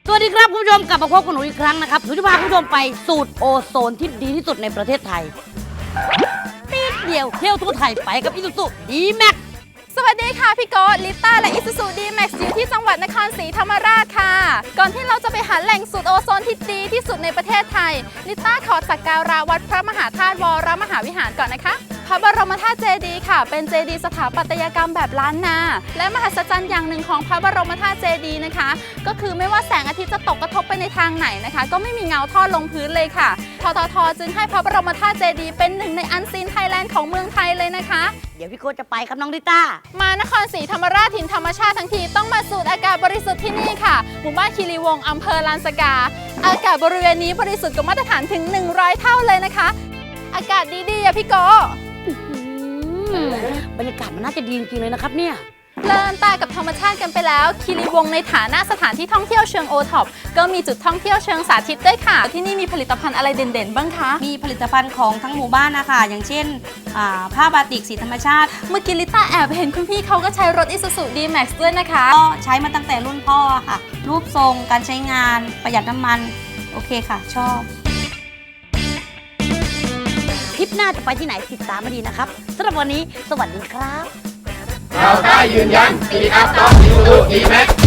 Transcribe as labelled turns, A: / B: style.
A: สวัสดีครับคุณผู้ชมกลับมาพบกับหนูอีกครั้งนะครับหนูจะพาคุณผู้ชมไปสูตรโอโซนที่ดีที่สุดในประเทศไทยปีดเดียวเที่ยวทั่วไทยไปกับอิซูซุดีแม็ก
B: สวัสดีค่ะพี่โก้ลิต้าและอิซูซูดีแม็กซ์อยู่ที่จังหวัดนครศรีธรรมราชค่ะก่อนที่เราจะไปหาแหล่งสูตรโอโซนที่ดีที่สุดในประเทศไทยลิต้าขอสักการะวัดพระมหาธาตุวรมหาวิหารก่อนนะคะพระบรมธาตุเจดีย์ค่ะเป็นเจดีย์สถาปัตยกรรมแบบล้านนาและมหัศจรรย์อย่างหนึ่งของพระบรมธาตุเจดีย์นะคะก็คือไม่ว่าแสงอาทิตย์จะตกกระทบไปในทางไหนนะคะก็ไม่มีเงาทอดลงพื้นเลยค่ะทททจึงให้พระบรมธาตุเจดีย์เป็นหนึ่งในอันซีนไทยแลนด์ของเมืองไทยเลยนะคะ
A: เดี๋ยวพี่โค้ชจะไปครับน้องลิต้าม
B: านครศรีธรรมราชถิ่นธรรมชาติทั้งทีต้องมาสูดอากาศบริสุทธิ์ที่นี่ค่ะหมู่บ้านคีรีวงศ์อำเภอลานสกาอากาศบริเวณนี้บริสุทธิ์กว่ามาตรฐานถึง100เท่าเลยนะคะอากาศดีๆอะพี่โก
A: บรรยากาศมันน่าจะดีจริงๆเลยนะครับเนี่ย
B: เพลินตากับธรรมชาติกันไปแล้วคีรีวงศ์ในฐานะสถานที่ท่องเที่ยวเชิงโอท็อปก็มีจุดท่องเที่ยวเชิงสาธิตด้วยค่ะที่นี่มีผลิตภัณฑ์อะไรเด่นๆบ้างคะ
C: มีผลิตภัณฑ์ของทั้งหมู่บ้านนะคะอย่างเช่นผ้าบาติกสีธรรมชาติ
B: เมื่อกี้ลิต้าแอบเห็นคุณพี่เขาก็ใช้รถ Isuzu D-Max ด้วยนะคะ
C: ก็ใช้มาตั้งแต่รุ่นพ่อค่ะ รูปทรงการใช้งานประหยัดน้ำมันโอเคค่ะชอบ
A: ทริปหน้าจะไปที่ไหนติดตามมาดีนะครับสำหรับวันนี้สวัสดีครับ
D: เราได้ยืนยันปีอัพต้องอิซูซูดีแม็ก